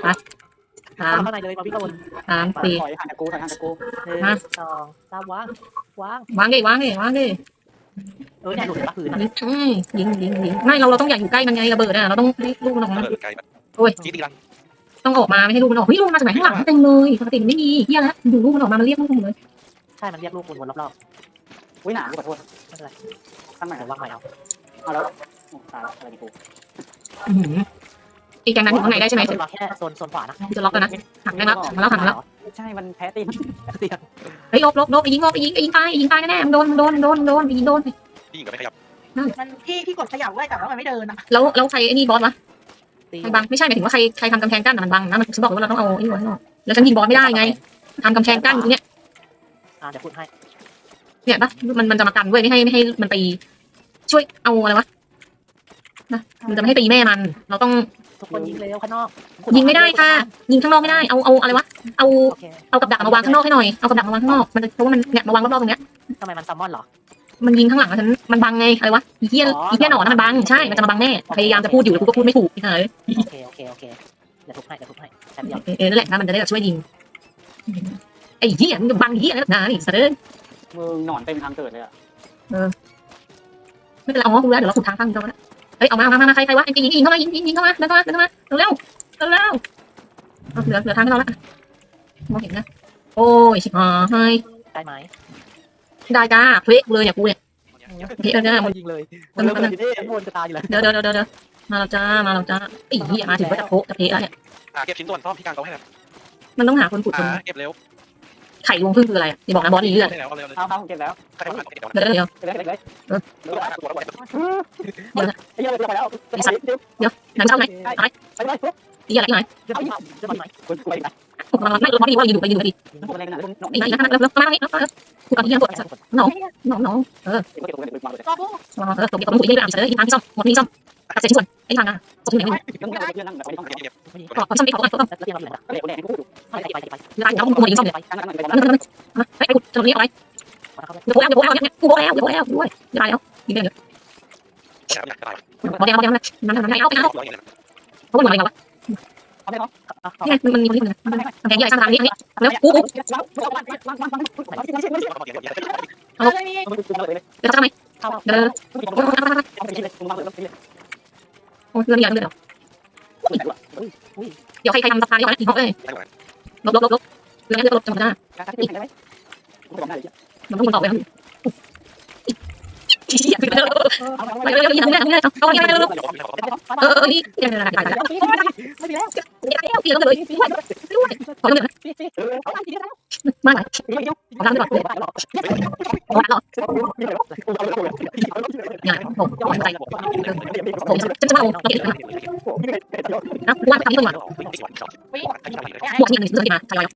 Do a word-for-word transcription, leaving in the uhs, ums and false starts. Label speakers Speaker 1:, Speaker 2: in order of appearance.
Speaker 1: ไปสาม
Speaker 2: เข้าในเลยมาวิ่งเข้าบน
Speaker 1: สามสี่
Speaker 3: ถอยห่างจากกูถอยห่างจากกู
Speaker 2: หนึ่งสองสามวางวาง
Speaker 1: วางดิวางดิวางดิ
Speaker 2: เออเนี่ยหลุดจากพื้น
Speaker 1: ยิงอืมยิงยิงยิงไม่เราเราต้องอย่าอยู่ใกล้มันไงระเบิดอ่ะเราต้องให้ลูกมันออกมา
Speaker 4: เปิดไกลแบบ
Speaker 1: โอ้ย
Speaker 4: จี๊ดดีลัง
Speaker 1: ต้องออกมาไม่ให้ลูกมันออกเฮ้ยลูกมาจากไหนข้างหลังเต็มเลยปกติมันไม่มีเฮียแล้วดูลูกมันออกมามันเรียกลูกมันเลย
Speaker 2: ใช่มันเรียกลูกวนๆรอบ
Speaker 3: อุ้ยหนาขอโทษ
Speaker 2: ๆไม่เป็นไร
Speaker 3: ข้างใหม่
Speaker 2: เดี๋ยววางใหม่เอา
Speaker 3: เอาแล้วตายแล้วอะไรดีกู
Speaker 1: อื้อหืออีกแกงนั้นอยู่ข้างในได้ใช่ไหม
Speaker 2: รอแค่โซนโซนขวานะ
Speaker 1: จะล็อกแล้วนะหักได้แล้วมาแล้วหักมาแล้ว
Speaker 3: ใช่มันแพ้ตีน
Speaker 2: เตียง
Speaker 1: เฮ้ยลบลบลบไปยิงลบไปยิงไปยิงตายยิงตายแน่ๆมันโดนมันโดนมันโดนมันโดนไปยิงโดน
Speaker 4: พี่หญิงก็ไม่ขยับ
Speaker 5: มันพี่พี่กดขยับไว้แต่ว่ามันไม่เดินอ่ะ
Speaker 1: แล้วแล้วใครไอ้นี่บอสวะ
Speaker 2: ตี
Speaker 1: ใครบังไม่ใช่หมายถึงว่าใครใครทำกำแพงกั้นมันบังนะมันฉันบอกว่าเราต้องเอาไอ้บอสแล้วฉันยิงบอสไม่ได้ไงทำกำแพงกั้นตรงเนี้ย
Speaker 2: อ่าเดี๋ยวพูดให้
Speaker 1: เนี่ยปะมันมันจะมากันด้วยไม่ให้ไม่ให้มันไปช่วยเอาอะไรวะนะมันจะไม่ให้ตีแม่มันเราต้อง
Speaker 2: ทุกคนยิงเร็วข้างนอก
Speaker 1: ยิงไม่ได้ค่ะยิงข้างนอกไม่ได้เอาเอาอะไรวะเอา
Speaker 2: โอเค
Speaker 1: เอากับดักมาวางข้างนอกให้หน่อยเอากับดักมาวางข้างนอกมันจะเพราะว่ามันเนี่ยมาวางรอบๆตรงเนี้ย
Speaker 2: ทำไมมันซัมมอนเหรอ
Speaker 1: มันยิงข้างหลังฉันมันบังไงอะไรวะอีเทียอีเทียหนอนนะมันบังใช่มันจะมาบังแน่พยายามจะพูดอยู่แต่กูก็พูดไม่ถูกพี่เอ๋ย
Speaker 2: โอเคโอเคโอเคเดี๋ยวทุบให้เดี๋ยวทุบให้แป๊บเดียว
Speaker 1: เออนั่นแหละนะมันจะได้แบบช่วยยิงไอ้เหี้ยมันบังเหี้ยนะนี่สะเด้อ
Speaker 3: มึงหนอนเต็มทางเกิดเลยอ่ะ
Speaker 1: ไม่เป็นไรเอาง้อกูแล้วเดี๋ยวเราขุดทางตั้งเราก็ได้เฮ้ยเอามามามาใครใครวะยิงยิงยิงเข้ามายิงยิงยิงเข้ามาเดินเข้ามาเดินเข้ามาเร็วเร็วเร็วเหลือเหลือทางให้เราละมองเห็นนะโอ้ยชิบหาย
Speaker 2: ได้ไหม
Speaker 1: ได้จ้าเพลกเลยเนี่ยกูเนี่ยเพลกเนี่ยมัน
Speaker 2: ยิงเลย
Speaker 3: มันเริ่มเลยที่
Speaker 2: วนจะตายอยู่แล้ว
Speaker 1: เดี๋ยวเดี๋ยวเดี๋ยวเดี๋ยวมาแล้วจ้ามาแล้วจ้าไอ้เหี้ยมาถึงก็จะโป๊ะจะเพลแล้วเนี่ย
Speaker 4: อ่าเก็บชิ้นส่วนซ่อมที่กลางโต๊ะให้แล้ว
Speaker 1: มันต้องหาคนขุดคน
Speaker 4: อ่าเก็บเร็ว
Speaker 1: ไข่รวงพึ่งคืออะไรอ่ะอย่าบอกนะบอสนี่เลือด
Speaker 4: ได้แล้วเอาเร็วเลย
Speaker 3: เอาเอาเก็บแล้ว
Speaker 4: ใครทำเก็บเดี๋ยว
Speaker 1: เดี๋ยวเดี๋ยว
Speaker 3: เก็บแล้วเก็บเลย
Speaker 4: ตัวตัวตัว
Speaker 3: ไอ้เหี้ยเลยไปแล้ว
Speaker 1: หนังเช่าไหน
Speaker 3: ไปไปไป
Speaker 1: ไอ้เหี้ยอะไรที่ไหน
Speaker 2: จะไปจะไปไหน
Speaker 3: กูไปไหน
Speaker 1: ขุดมาไม่เราบอสนี่ว่ายืนดูไปยืนดูไปดิ
Speaker 3: กูอะไรกันนะหนอน
Speaker 1: ไอ้ไหนนะแล้วแล้วมานี่แล้วขุดตอนนี้ยังกดน้องน้องน้องเออ
Speaker 3: เก็บกูเก็บกูมาเลย
Speaker 5: รอกู
Speaker 1: เออตรงนี้ตรงนี้ขุดยังไม่ได้อ่านเสร็จเลยทางที่ซ่อมหมดนี้ซ่อมตัดเสร็จชิ้นส่วนไอ้ทางอ่ะตรงนี้ไม่
Speaker 3: ต้องนั่งเพื่อนนั่งแบบไม่ต้อง
Speaker 4: เก็บเก็บ
Speaker 1: ก็ซ่อมไอ้ของก็ซ่อม
Speaker 2: แล้วเตียงเราอยู่ไหน
Speaker 3: ก็เลยกูแดงกูพูดอยู่
Speaker 2: ไปไปไปไป
Speaker 1: เวลาเราคุยยิงซ่อมเลย
Speaker 3: ไปนั่งนั่งไป
Speaker 1: นั่นนั่นนั่นไอ้ขุดตรงนี้เอาไรเดี๋ยวโผล่แล้วเดี๋ยวโผล่แล้วเนี่ยกูโผล่แล้วเดี๋ยวโผล่แล้วด้วยตายแล้วยิงได้เลย
Speaker 4: อยากอยากตาย
Speaker 1: บอลแดงบอลแดงนั่นนั่นนั่นเอาไปเอา
Speaker 4: ร้อยเงิน
Speaker 1: เพราะว่าอะไรวะ
Speaker 3: เอาได้เหรอ
Speaker 1: นี่ไงมันมีคนนี้คนนึงแดงใหญ่สร้างทางนี้อันนี้แล้วกูกู
Speaker 5: เอาเลยนี่
Speaker 1: เดี๋ยวทำไมเดี๋ยวโอ้ยเรื่องใหญ่เลยเดี๋ยวเดี๋ยวใครใครทำสะพานเดี๋ยวนะอีกห้องเลยลบลบลบลบเรื่องนี้จะลบจังหวะหน้ามันต้องคนตอบเลยเชี่ยคือเร็วไปเร็วๆยิงทางนี้ทางนี้เอาอย่างนี้เร็วๆเออเออนี่เดี๋ยวเดี๋ยวเดี๋ยวเดี๋ยว
Speaker 5: ไม่มีแล้ว
Speaker 1: เดี๋ยวเดี๋ยวเดี๋ยวเลยด้วยด้วยขอเรื่องนะมาไหนขอทางด้วยก่อนขอทางหรอเนี่ยผมผมใจผมจะจะมาเอาเราเก็บนะว่าทำนี้ก่อนหมดนี่หนึ่งซื้อมาทยอย